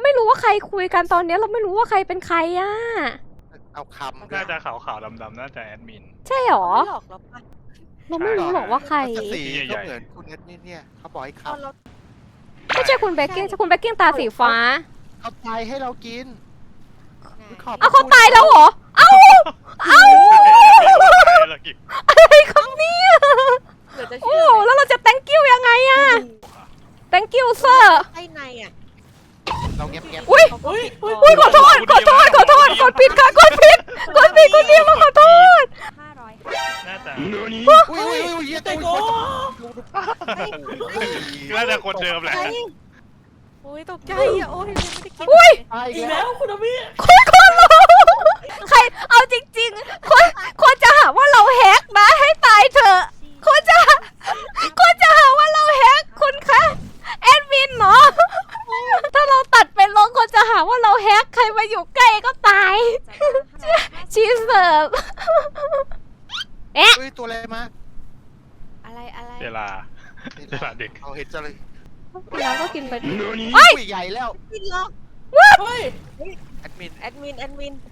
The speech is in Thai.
ไม่รู้ว่าใครคุยกันตอนนี้เราไม่รู้ว่าใครเป็นใครอ่ะเอาคำน่าจะขาวๆดำๆน่าจะแอดมินใช่หรอไม่หลอกเราปะเราไม่รู้หรอกว่าใครสีใหญ่ก็เหมือนคุณแอดมินเนี่ยเขาบอกให้ตอนคำเราไม่ใช่คุณเบกกิ้งคุณเบกกิ้งตาสีฟ้าเขาตายให้เรากินขอบเอาเขาตายแล้วเหรอ เอ้า เอ้า อะไรครับเนี่ยเหลือจะโอ้เชื่อแล้วเราจะ thank you ยังไงอะ thank you sir ไส้ในอ่ะเราเงียบเงียบอุ้ยเขาก็ปิดอุ้ยขอโทษกดผิดค่ะกดผิดคุณเดียวมาขอโทษน่าจะอุ้ยเยี่ยตัวน่าจะคนเดิมแหละโอ้ยตกใจอ่ะโอ้ยไม่ได้คิดอุ้ยตายอีอีกกแล้แล้ววคุณอมิคนรู้ใครเอาจริงๆคนจะหาว่าเราแฮกนะให้ตายเถอะคนจะหาว่าเราแฮกคุณคะแอดมินเนาะถ้าเราตัดไปลงคนจะหาว่าเราแฮกใครมาอยู่ใกล้ก็ตายชีเสิร์ฟอุ้ยตัวอะไรมาอะไรเวลาเด็กเอาเห็นจะเลยแล้วก็กินไปอุ้ยใหญ่แล้วกินหรอกเฮ้ยแอดมินแอดมิน